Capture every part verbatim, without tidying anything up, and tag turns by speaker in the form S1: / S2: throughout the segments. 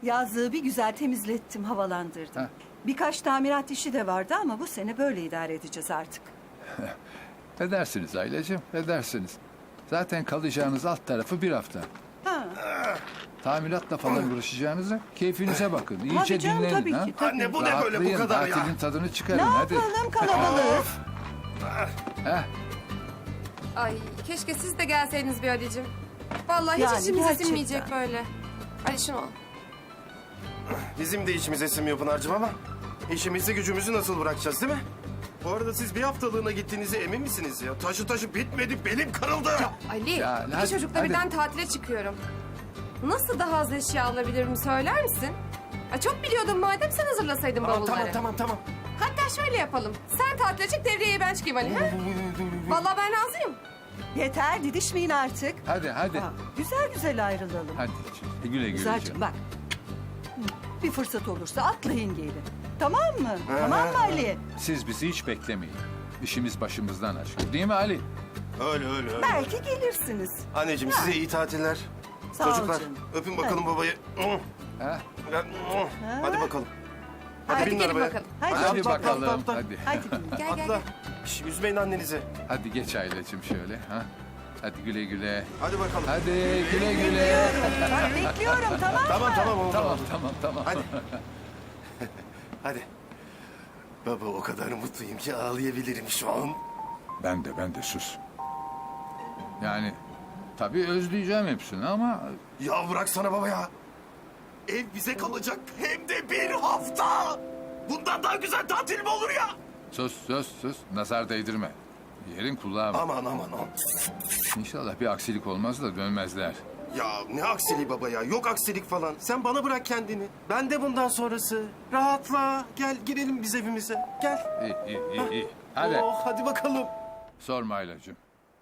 S1: Yazlığı bir güzel temizlettim, havalandırdım.
S2: Heh.
S1: Birkaç tamirat işi de vardı ama bu sene böyle idare edeceğiz artık.
S2: Edersiniz Aylacığım, edersiniz. Zaten kalacağınız alt tarafı bir hafta.
S1: Ha.
S2: Tamiratla falan uğraşacağınıza keyfinize bakın. İyice
S1: Tabii canım,
S2: dinlenin.
S1: tabii
S2: ha?
S1: ki, tabii.
S3: Anne bu ne böyle bu
S2: Rahatlayın,
S3: kadar ya?
S2: tatilin tadını çıkarın
S1: Ne
S2: hadi.
S1: yapalım, kalabalık.
S2: Heh,
S4: Ay keşke siz de gelseydiniz bir Ali'cim. Vallahi
S1: Yani
S4: hiç içimiz
S1: gerçekten.
S4: sinmeyecek böyle. Ali şunu al.
S3: Bizim de içimiz esinmiyor Pınar'cığım ama işimizi gücümüzü nasıl bırakacağız değil mi? Bu arada siz bir haftalığına gittiğinize emin misiniz ya? Taşı taşı bitmedi, belim kırıldı.
S4: Ali,
S2: Ya,
S4: iki
S2: hadi,
S4: çocukla
S2: hadi.
S4: birden tatile çıkıyorum. Nasıl daha az eşya alabilirim söyler misin? Ay, çok biliyordum madem sen hazırlasaydın
S3: Tamam,
S4: bavulları.
S3: tamam, tamam, tamam.
S4: Hatta şöyle yapalım. Sen tatile çık devriyeye ben çıkayım Ali. Ha? Vallahi ben razıyım.
S1: Yeter, didişmeyin artık.
S2: hadi hadi.
S1: Ha, güzel güzel ayrılalım.
S2: Hadi güle güle
S1: Güzelcim
S2: canım.
S1: bak. Bir fırsat olursa atlayın gelin. Tamam mı? Tamam mı Ali?
S2: Siz bizi hiç beklemeyin. İşimiz başımızdan aşkın. Değil mi Ali?
S3: Öyle öyle öyle.
S1: Belki gelirsiniz.
S3: Anneciğim size iyi tatiller.
S1: Sağ ol
S3: Çocuklar
S1: canım.
S3: öpün bakalım babayı.
S2: Ha?
S3: Hadi bakalım. Hadi,
S4: Hadi
S3: binin
S4: gelin
S3: arabaya.
S4: bakalım.
S1: Hadi,
S2: Hadi
S3: atla, atla,
S2: bakalım.
S3: atla.
S2: Hadi.
S1: Hadi.
S4: Gel gel
S3: Atla.
S4: gel.
S3: Şş, üzmeyin annenizi.
S2: Hadi geç Aylacığım şöyle. Ha? Hadi güle güle.
S3: Hadi bakalım.
S2: Hadi güle güle.
S1: Bekliyorum. Bak bekliyorum, tamam mı?
S3: Tamam tamam oldu.
S2: Tamam
S3: oldu.
S2: tamam tamam.
S3: Hadi. Hadi. Baba o kadar mutluyum ki ağlayabilirim şu an.
S2: Ben de ben de sus. Yani tabii özleyeceğim hepsini ama
S3: Ya bıraksana baba ya. Ev bize kalacak hem de bir hafta. Bundan daha güzel tatil mi olur ya?
S2: sus sus sus. Nazar değdirme. Yerin kulağı var.
S3: Aman aman aman.
S2: İnşallah bir aksilik olmaz da dönmezler.
S3: Ya ne aksiliği baba ya. Yok aksilik falan. Sen bana bırak kendini. Ben de bundan sonrası. Rahatla. Gel girelim biz evimize. Gel.
S2: İyi iyi iyi. iyi. Hadi.
S3: Oh, hadi bakalım.
S2: Sorma Aylacığım.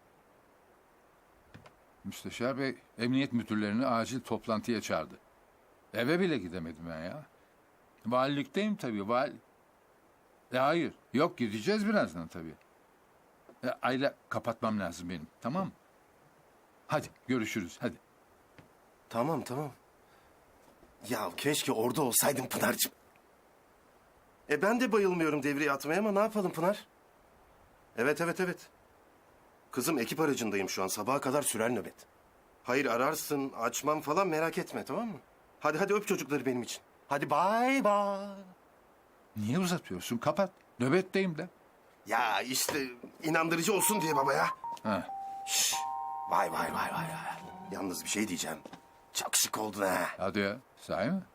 S2: Müsteşar Bey emniyet müdürlerini acil toplantıya çağırdı. Eve bile gidemedim ben ya. Valilikteyim tabii. Val... E hayır. Yok gideceğiz birazdan tabii. E, Ayla kapatmam lazım benim. Tamam mı? Hadi görüşürüz. Hadi.
S3: Tamam tamam. Ya keşke orada olsaydın Pınar'cığım. E ben de bayılmıyorum devreye atmaya ama ne yapalım Pınar? Evet evet evet. Kızım ekip aracındayım şu an. Sabaha kadar sürer nöbet. Hayır ararsın, açmam falan merak etme tamam mı? Hadi hadi öp çocukları benim için. Hadi bay bay.
S2: Niye uzatıyorsun? Kapat. Nöbetteyim de.
S3: Ya işte inandırıcı olsun diye baba ya.
S2: Ha.
S3: Şş, vay vay vay vay. vay. Yalnız bir şey diyeceğim. Çok şık oldun ha.
S2: Hadi ya. Sahi mi?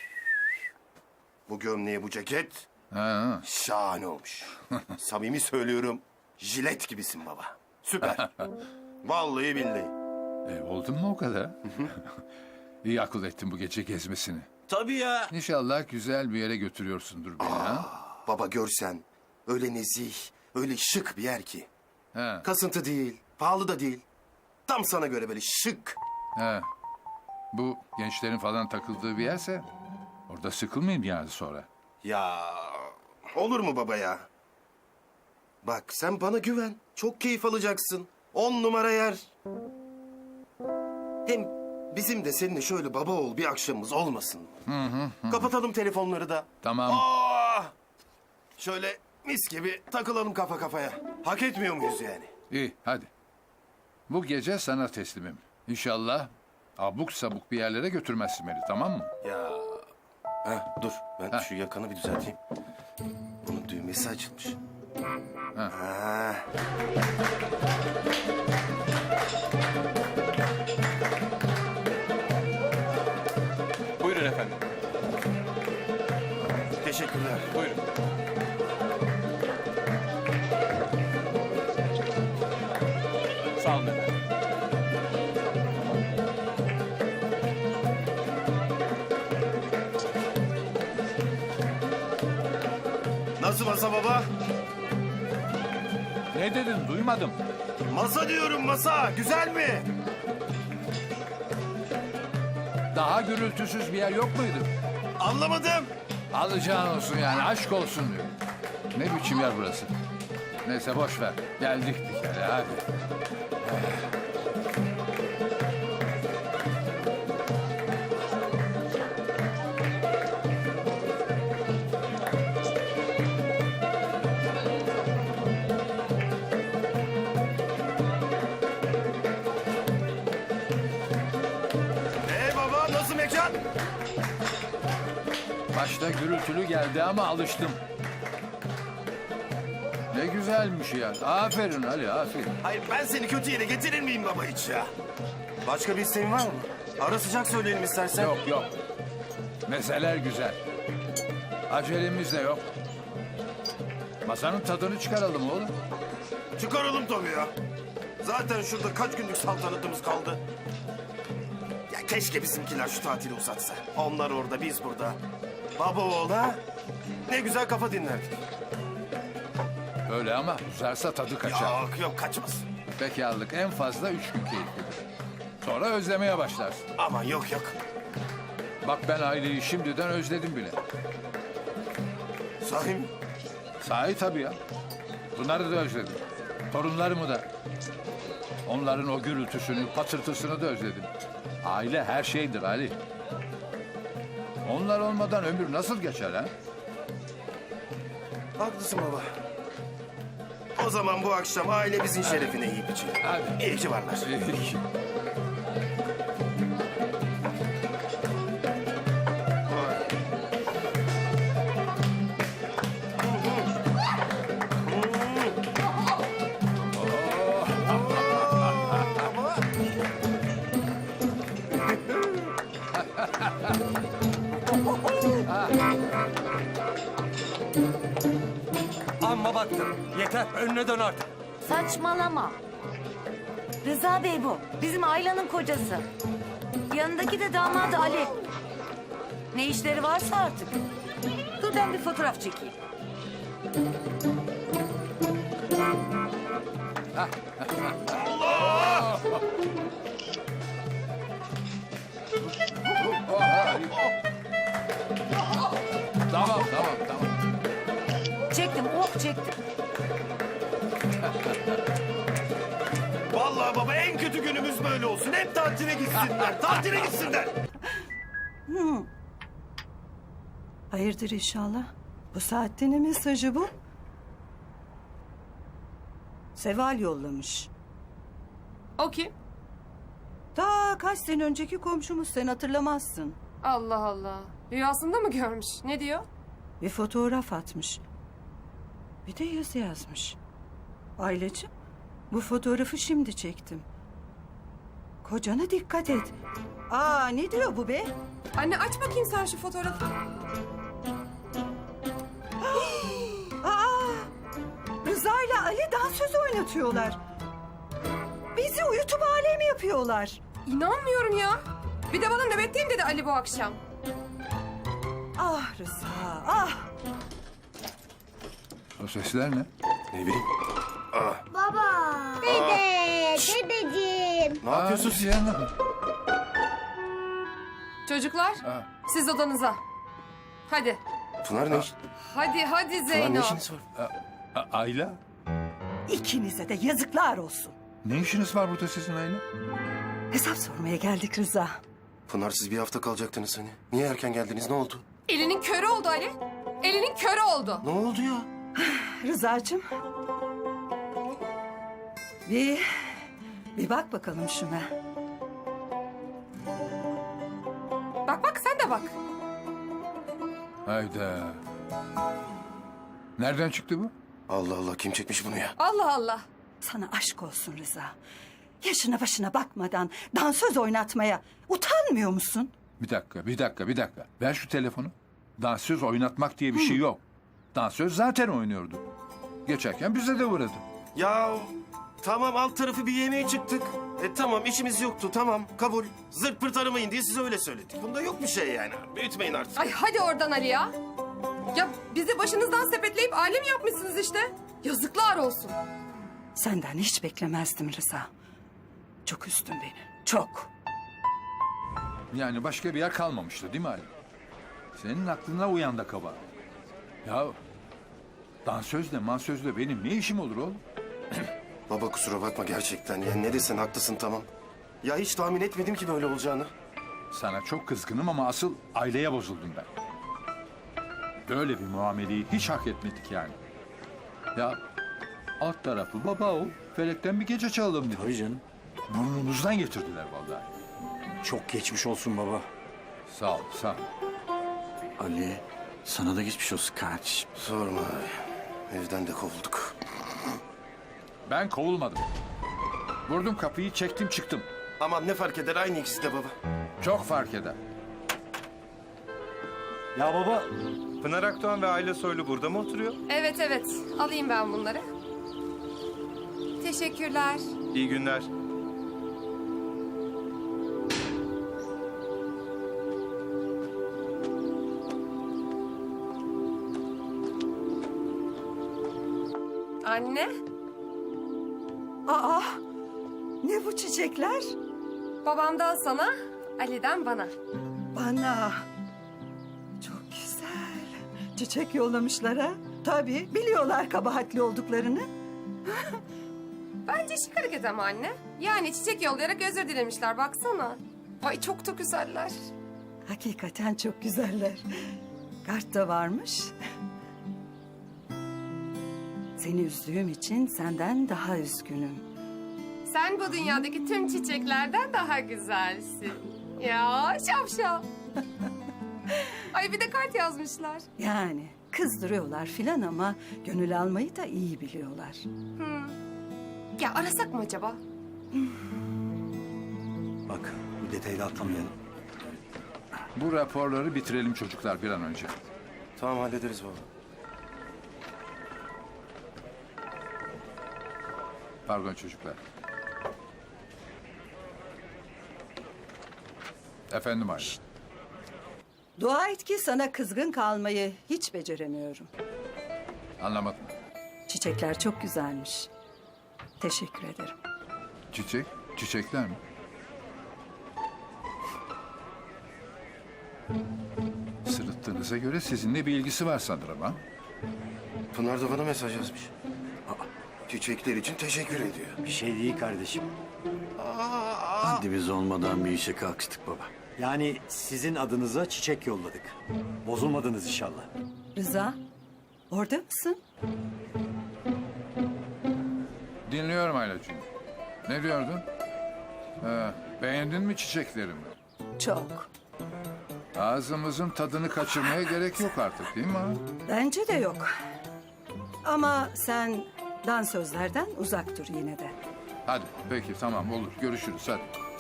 S3: Bu gömleğe bu ceket
S2: Ha, ha.
S3: şahane olmuş. Samimi söylüyorum. Jilet gibisin baba. Süper. Vallahi billahi.
S2: E, oldun mu o kadar? İyi akıl ettin bu gece gezmesini.
S3: Tabii ya.
S2: İnşallah güzel bir yere götürüyorsundur beni ha.
S3: Baba görsen öyle nezih, öyle şık bir yer ki.
S2: Ha,
S3: Kasıntı değil, pahalı da değil. Tam sana göre böyle şık.
S2: ha. Bu gençlerin falan takıldığı bir yerse orada sıkılmayayım yani sonra.
S3: Ya olur mu baba ya? Bak sen bana güven. Çok keyif alacaksın. On numara yer. Hem bizim de seninle şöyle baba oğul bir akşamımız olmasın mı? Kapatalım telefonları da.
S2: Tamam.
S3: Aa! Şöyle mis gibi takılalım kafa kafaya. Hak etmiyor muyuz yani?
S2: İyi hadi. Bu gece sana teslimim. İnşallah abuk sabuk bir yerlere götürmezsin beni tamam mı?
S3: Ya. Heh, dur ben
S2: Heh.
S3: şu yakanı bir düzelteyim. Bunun düğmesi açılmış.
S2: Heh.
S3: Ha.
S5: Buyurun efendim.
S3: Teşekkürler.
S5: Buyurun. Sağ olun efendim.
S3: Nasıl masa baba?
S2: Ne dedin duymadım.
S3: Masa diyorum masa. Güzel mi?
S2: Daha gürültüsüz bir yer yok muydu?
S3: Anlamadım.
S2: Alacağın olsun yani aşk olsun diyor. Ne biçim yer burası? Neyse boş ver. Geldik bir kere hadi. Başta gürültülü geldi ama alıştım. Ne güzelmiş ya. Aferin Ali, aferin.
S3: Hayır ben seni kötü yere getirir miyim baba hiç ya? Başka bir isteğin var mı? Ara sıcak söyleyelim istersen.
S2: Yok yok. Mezeler güzel. Acelemiz de yok. Masanın tadını çıkaralım oğlum.
S3: Çıkaralım tabii ya. Zaten şurada kaç günlük saltanatımız kaldı. Ya keşke bizimkiler şu tatili uzatsa. Onlar orada, biz burada. Baba oğul ha? Ne güzel kafa dinlerdik.
S2: Öyle ama uzarsa tadı kaçar.
S3: Yok yok kaçmaz.
S2: Bekarlık en fazla üç gün keyiflidir. Sonra özlemeye başlarsın.
S3: Aman yok yok.
S2: Bak ben aileyi şimdiden özledim bile.
S3: Sahi mi?
S2: Sahi tabii ya. Bunları da özledim. Torunlarımı da. Onların o gürültüsünü, patırtısını da özledim. Aile her şeydir Ali. Onlar olmadan ömür nasıl geçer ha?
S3: Haklısın baba. O zaman bu akşam ailemizin şerefine yiyip içelim.
S2: Hadi.
S3: İyi ki varlar.
S2: İyi.
S6: Amma baktım. Yeter, önüne dön artık.
S7: Saçmalama. Rıza Bey bu. Bizim Ayla'nın kocası. Yanındaki de damadı Ali. Ne işleri varsa artık. Dur ben bir fotoğraf çekeyim.
S2: Tamam tamam tamam.
S7: Çektim, oh çektim.
S3: Vallahi baba en kötü günümüz böyle olsun. Hep tatile gitsinler. Tatile gitsinler.
S1: Hayırdır inşallah? Bu saatte ne mesajı bu? Seval yollamış.
S4: O kim?
S1: Ta kaç sene önceki komşumuz, sen hatırlamazsın.
S4: Allah Allah. Rüyasında mı görmüş? Ne diyor?
S1: Bir fotoğraf atmış. Bir de yazı yazmış. Aileciğim, bu fotoğrafı şimdi çektim. Kocana dikkat et. Aa, ne diyor bu be?
S4: Anne aç bakayım sen şu fotoğrafı.
S1: Aa, Rıza ile Ali dansöz oynatıyorlar. Bizi uyutup alem yapıyorlar.
S4: İnanmıyorum ya. Bir de bana nöbetteyim dedi Ali bu akşam.
S1: Ah Rıza, ah.
S2: O sesler ne?
S3: Ne bileyim.
S8: Dede, dedeciğim.
S3: Ne yapıyorsun
S2: Aa,
S3: sen?
S2: canım.
S4: Çocuklar
S2: Ha.
S4: siz odanıza. Hadi.
S3: Pınar ne iş?
S4: Hadi hadi
S3: Pınar ne
S4: Zeyno.
S3: işiniz var?
S2: A- Ayla?
S1: İkinize de yazıklar olsun.
S2: Ne işiniz var burada sizin Ayla?
S1: Hesap sormaya geldik Rıza.
S3: Pınar siz bir hafta kalacaktınız hani. Niye erken geldiniz? Ne oldu?
S4: Elinin körü oldu Ali. Elinin körü oldu.
S3: Ne oldu ya?
S1: Rıza'cığım. Bir, bir bak bakalım şuna.
S4: Bak bak sen de bak.
S2: Hayda. Nereden çıktı bu?
S3: Allah Allah kim çekmiş bunu ya?
S4: Allah Allah.
S1: Sana aşk olsun Rıza. Yaşına başına bakmadan dansöz oynatmaya utanmıyor musun?
S2: Bir dakika, bir dakika, bir dakika. Ver şu telefonu. Dansöz oynatmak diye bir şey yok. Dansöz zaten oynuyordu. Geçerken bize de uğradı.
S3: Ya tamam alt tarafı bir yemeğe çıktık. E tamam işimiz yoktu tamam kabul. Zırt pırt aramayın diye size öyle söyledik. Bunda yok bir şey yani. Büyütmeyin artık.
S4: Ay hadi oradan Ali ya. Ya bizi başınızdan sepetleyip alem yapmışsınız işte. Yazıklar olsun.
S1: Senden hiç beklemezdim Rıza. Çok üstün beni, çok.
S2: Yani başka bir yer kalmamıştı değil mi Ali? Senin aklına uyan da kaba. Ya dansözle mansözle benim ne işim olur oğlum?
S3: Baba kusura bakma gerçekten. Ya ne desen haklısın tamam. Ya hiç tahmin etmedim ki böyle olacağını.
S2: Sana çok kızgınım ama asıl aileye bozuldum ben. Böyle bir muameleyi hiç hak etmedik yani. Ya alt tarafı baba o. Felekten bir gece çalalım dedi.
S6: Tabii canım.
S2: Burnumuzdan getirdiler vallahi.
S6: Çok geçmiş olsun baba.
S2: Sağ ol, sağ ol.
S9: Ali, sana da geçmiş olsun kardeşim.
S3: Sorma abi. Evden de kovulduk.
S2: Ben kovulmadım. Vurdum kapıyı, çektim çıktım.
S3: Aman ne fark eder, aynı ikisi de baba.
S2: Çok fark eder.
S6: Ya baba, Pınar Akdoğan ve Ayla Soylu burada mı oturuyor?
S4: Evet evet alayım ben bunları. Teşekkürler.
S6: İyi günler.
S4: Anne,
S1: Aa, ne bu çiçekler?
S4: babamdan sana, Ali'den bana.
S1: Bana. Çok güzel. Çiçek yollamışlar ha. Tabii biliyorlar kabahatli olduklarını.
S4: Bence şık hareket ama anne. Yani çiçek yollayarak özür dilemişler baksana. Ay çok da güzeller.
S1: Hakikaten çok güzeller. Kart da varmış. Seni üzdüğüm için senden daha üzgünüm.
S4: Sen bu dünyadaki tüm çiçeklerden daha güzelsin. Ya şapşal. Ay bir de kart yazmışlar.
S1: Yani kızdırıyorlar filan ama gönül almayı da iyi biliyorlar.
S4: Ya arasak mı acaba?
S9: Bak, bir detayı da atlamayalım.
S2: Bu raporları bitirelim çocuklar bir an önce.
S3: Tamam, hallederiz baba.
S2: Pardon çocuklar. Efendim Ayla.
S1: Dua et ki sana kızgın kalmayı hiç beceremiyorum.
S2: Anlamadım.
S1: Çiçekler çok güzelmiş. Teşekkür ederim.
S2: Çiçek? Çiçekler mi? Sırıttığınıza göre sizinle bir ilgisi var sanırım ha?
S3: Pınar da bana mesaj yazmış. Çiçekler için teşekkür ediyor.
S9: Bir şey değil kardeşim. Haddimiz olmadan bir işe kalkıştık baba. Yani sizin adınıza çiçek yolladık. Bozulmadınız inşallah.
S1: Rıza, orada mısın?
S2: Dinliyorum Aylacığım. Ne diyordun? Ha, beğendin mi çiçeklerimi?
S1: Çok.
S2: Ağzımızın tadını kaçırmaya gerek yok artık değil mi ha?
S1: Bence de yok. Ama sen dansözlerden uzak dur yine de.
S2: Hadi peki tamam olur görüşürüz hadi.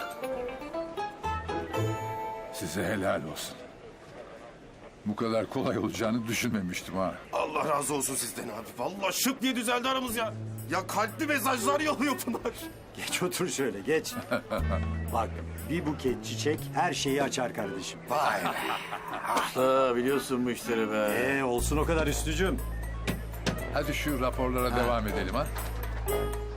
S2: Size helal olsun. Bu kadar kolay olacağını düşünmemiştim ha.
S3: Allah razı olsun sizden abi. Vallahi şıp diye düzeldi aramız ya. Ya kalpli mesajlar yolluyor Pınar.
S10: Geç otur şöyle geç. Bak bir buket çiçek her şeyi açar kardeşim.
S3: Vay be.
S9: Usta biliyorsun bu işleri be.
S10: Ee olsun o kadar üstücüm.
S2: Hadi şu raporlara devam edelim ha.